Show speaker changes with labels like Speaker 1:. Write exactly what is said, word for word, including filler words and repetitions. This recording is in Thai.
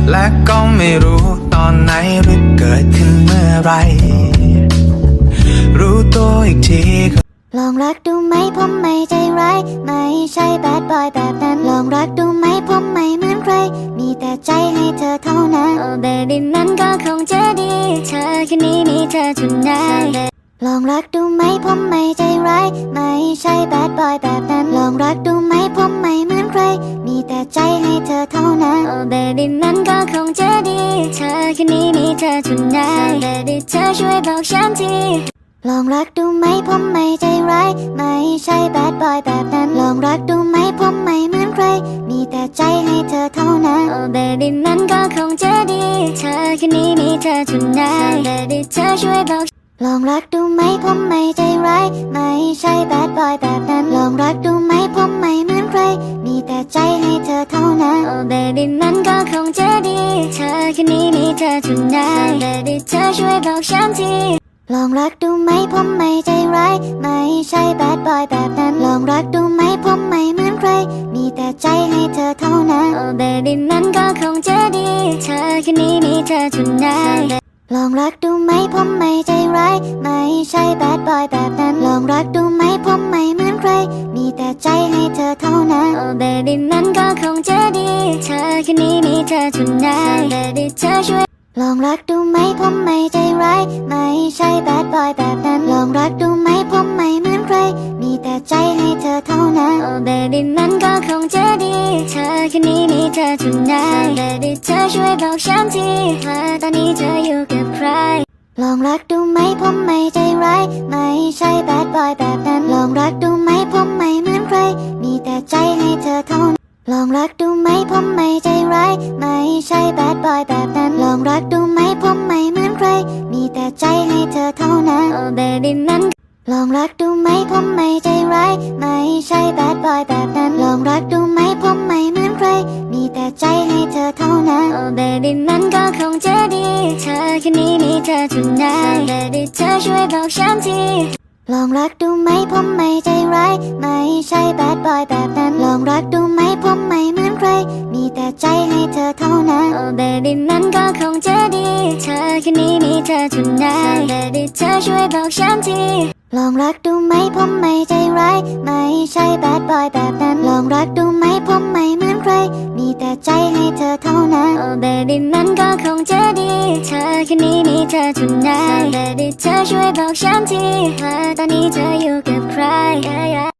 Speaker 1: และก็ไม่รู้ตอนไหนหรือเกิดขึ้นเมื่อไรรู้ตัวอีกที
Speaker 2: ลองรักดูไหมผมไม่ใจร้ายไม่ใช่แบดบอยแบบนั้นลองรักดูไหมผมไม่เหมือนใครมีแต่ใจให้เธอเท่านั้นโอ้เบบี้มันก็คงจะดีเธอแค่นี้มีเธอทุกนายลองรักดูไหมผมไม่ใจร้ายไม่ใช่แบดบอยแบบนั้นลองรักดูไหมผมไม่เหมือนใครมีแต่ใจให้เธอเท่านั้นโอ้เบบี้มันก็คงจะดีเธอแค่นี้มีเธอทุกนายเบบี้เธอช่วยบอกฉันทีลองรักดูไหมผมไม่ใจร้ายไม่ใช่แบดบอยแบบนั้นลองรักดูไหมผมไม่เหมือนใครมีแต่ใจให้เธอเท่านั้นโอ้เบบี้มันก็คงจะดีเธอแค่นี้มีเธอทุกนายเบบี้เธอช่วยบอกลองรักดูไหมผมไม่ใจร้ายไม่ใช่แบดบอยแบบนั้นลองรักดูไหมผมไม่เหมือนใครมีแต่ใจให้เธอเท่านั้นโอ้เบบี้มันก็คงจะดีเธอแค่นี้มีเธอทุกนายเบบี้เธอช่วยบอกฉันทีลองรักดูไหมผมไม่ใจร้ายไม่ใช่แบดบอยแบบนั้นลองรักดูไหมผมไม่เหมือนใครมีแต่ใจให้เธอเท่านั้นโอ้เบบี้มันก็คงจะดีเธอแค่นี้มีเธอทุกนายลองรักดูไหมผมไม่ใจร้ายไม่ใช่แบดบอยแบบนั้นลองรักดูไหมผมไม่เหมือนใครมีแต่ใจให้เธอเท่านั้นโอ้เบบี้มันก็คงจะดีเธอแค่นี้มีเธอทุกนายเบบี้เธอช่วยลองรักดูไหมผมไม่ใจร้ายไม่ใช่แบดบอยแบบนั้นลองรักดูไหมผมไม่เหมือนใครมีแต่ใจให้เธอเท่านั้นโอ้เบบี้มันก็คงจะดีเธอแค่นี้มีเธอทุกนายเบบี้เธอช่วยบอกฉันทีว่าตอนนี้เธออยู่กับใครลองรักดูไหมผมไม่ใจร้ายไม่ใช่แบดบอยแบบนั้นลองรักดูไหมผมไม่เหมือนใครมีแต่ใจให้เธอเท่านั้นลองรักดูไหมผมไม่ใจร้ายไม่ใช่แบดบอยแบบนั้นลองรักดูไหมผมไม่เหมือนใครมีแต่ใจให้เธอเท่านั้นโอ้เบบี้มันลองรักดูไหมผมไม่ใจร้ายไม่ใช่แบดบอยแบบนั้นลองรักดูไหมผมไม่เหมือนใครมีแต่ใจให้เธอเท่านั้นโอ้เบบี้มันก็คงจะดีเธอแค่นี้มีเธอทุกนายเบบี้เธอช่วยบอกฉันทีลองรักดูไหมผมไม่ใจร้ายไม่ใช่แบดบอยแบบนั้นลองรักดูไหมผมไม่เหมือนใครมีแต่ใจให้เธอเท่านั้นโอ้เบบี้มันก็คงจะดีเธอแค่นี้มีเธอทุกนายเบบี้เธอช่วยบอกฉันทีลองรักดูไหมผมไม่ใจร้ายไม่ใช่แบดบอยแบบนั้นลองรักดูไหมผมไม่เหมือนใครมีแต่ใจให้เธอเท่านั้นโอ้เบบี้มันก็คงจะดีเธอแค่นี้มีเธอทุกนายเบบี้เธอช่วยบอกฉันทีว่าตอนนี้เธออยู่กับใคร